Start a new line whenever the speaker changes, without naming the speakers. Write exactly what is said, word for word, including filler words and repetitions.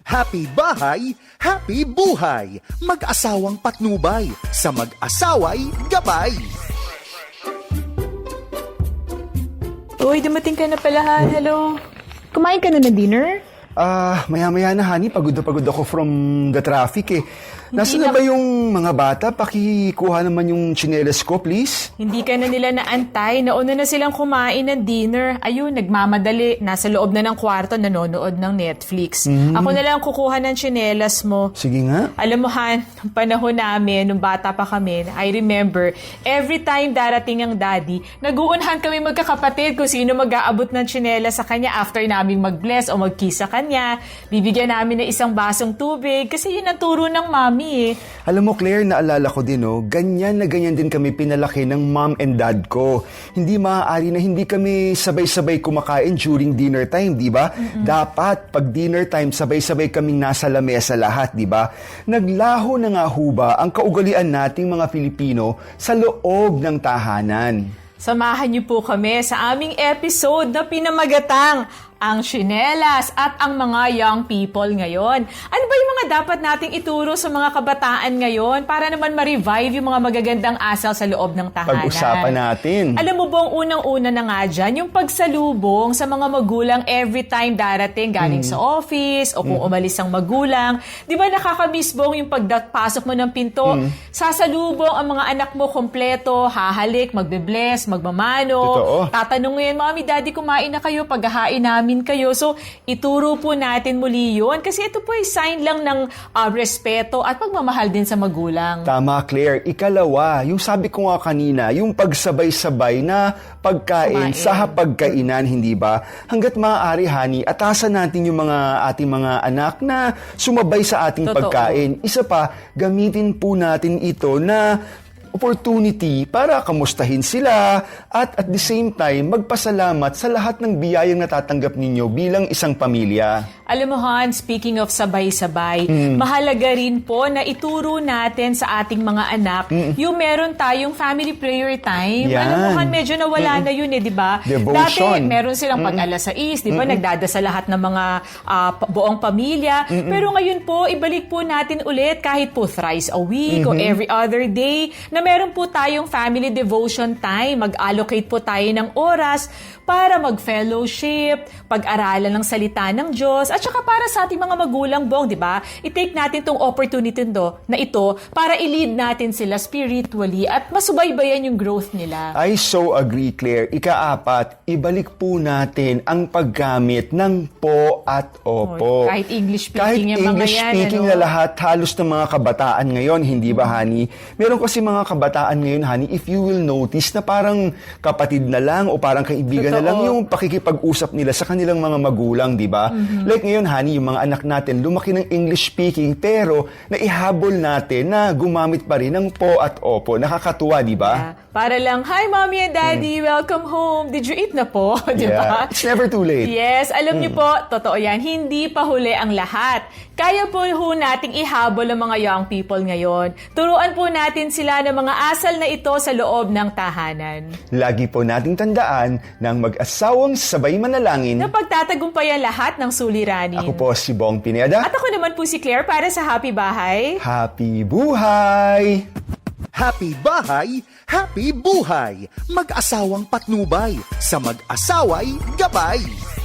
Happy bahay, happy buhay. Mag-asawang patnubay, sa mag-asaway gabay.
Uy, dumating ka na pala, ha? Hello. Kumain ka na ng dinner?
Ah, maya-maya na, honey. Pagod na pagod ako from the traffic eh. Nasaan na
na-
ba yung mga bata? Pakikuha naman yung tsinelas ko, please.
Hindi ka na nila naantay. Nauna na silang kumain ng dinner. Ayun, nagmamadali. Nasa loob na ng kwarto, nanonood ng Netflix. Ako na lang kukuha ng tsinelas mo.
Sige nga.
Alam mo, Han, nung panahon namin, nung bata pa kami, I remember, every time darating ang daddy, nag-uunhan kami magkakapatid kung sino mag-aabot ng tsinelas sa kanya after naming mag-bless o mag-kiss sa kanya. Bibigyan namin ng isang basong tubig kasi yun ang turo ng mami eh.
Alam mo, Claire, naalala ko din, oh, ganyan na ganyan din kami pinalaki ng mom and dad ko. Hindi maaari na hindi kami sabay-sabay kumakain during dinner time, di ba? Dapat, pag dinner time, sabay-sabay kaming nasa lamesa lahat, di ba? Naglaho na nga ho ba ang kaugalian nating mga Filipino sa loob ng tahanan?
Samahan niyo po kami sa aming episode na pinamagatang ang tsinelas at ang mga young people ngayon. Ano ba yung mga dapat nating ituro sa mga kabataan ngayon para naman ma-revive yung mga magagandang asal sa loob ng tahanan?
Pag-usapan natin.
Alam mo bang unang-una na nga dyan, yung pagsalubong sa mga magulang every time darating galing sa office o kung umalis ang magulang. Di ba nakakamisbong yung pagpasok mo ng pinto, sasalubong ang mga anak mo kompleto, hahalik, magbe-bless, magmamano.
Totoo.
Tatanungin, Mami, Daddy, kumain na kayo, paghahain namin kayo. So, ituro po natin muli yun kasi ito po ay sign lang ng uh, respeto at pagmamahal din sa magulang.
Tama, Claire. Ikalawa, yung sabi ko nga kanina, yung pagsabay-sabay na pagkain
Kumain.
sa hapagkainan, hindi ba? Hanggat maaari, honey, atasan natin yung mga ating mga anak na sumabay sa ating
Totoo.
pagkain. Isa pa, gamitin po natin ito na opportunity para kamustahin sila at at the same time, magpasalamat sa lahat ng biyayang natatanggap ninyo bilang isang pamilya.
Alam mo, Han, speaking of sabay-sabay, mahalaga rin po na ituro natin sa ating mga anak yung meron tayong family prayer time.
Yan.
Alam mo, Han, medyo nawala na yun eh, di ba?
Devotion.
Dati, meron silang pag alas sais, di ba? Nagdadasal lahat ng mga ah, pa- buong pamilya. Pero ngayon po, ibalik po natin ulit kahit po thrice a week o every other day na meron po tayong family devotion time. Mag-allocate po tayo ng oras para mag-fellowship, pag-aralan ng salita ng Diyos, at saka para sa ating mga magulang, Bong, di ba? I-take natin tong opportunity do, na ito para i-lead natin sila spiritually at masubaybayan yung growth nila.
I so agree, Claire. Ikaapat, ibalik po natin ang paggamit ng po at opo.
Kahit English speaking
Kahit
yung mga
English
yan,
speaking
ano?
na lahat, halos ng mga kabataan ngayon, hindi ba, honey? Meron kasi mga kabataan ngayon, honey, if you will notice na parang kapatid na lang o parang kaibigan na
Totoo.
lang yung pakikipag-usap nila sa kanilang mga magulang, di ba? Like ngayon, honey, yung mga anak natin, lumaki ng English speaking, pero naihabol natin na gumamit pa rin ng po at opo. Nakakatuwa, di ba?
Ah, para lang, hi Mommy and Daddy, welcome home. Did you eat na po? Di ba?
Yeah. It's never too late.
Yes, alam niyo po, totoo yan, hindi pa huli ang lahat. Kaya po ho nating ihabol ang mga young people ngayon. Turuan po natin sila ng mga asal na ito sa loob ng tahanan.
Lagi po nating tandaan ng mag-asawang sabay manalangin.
Na pagtatagumpayan lahat ng suliranin.
Ako po si Bong Pineda.
At ako naman po si Claire para sa Happy Bahay.
Happy buhay!
Happy bahay, happy buhay. Mag-asawang patnubay, sa mag-asaway gabay.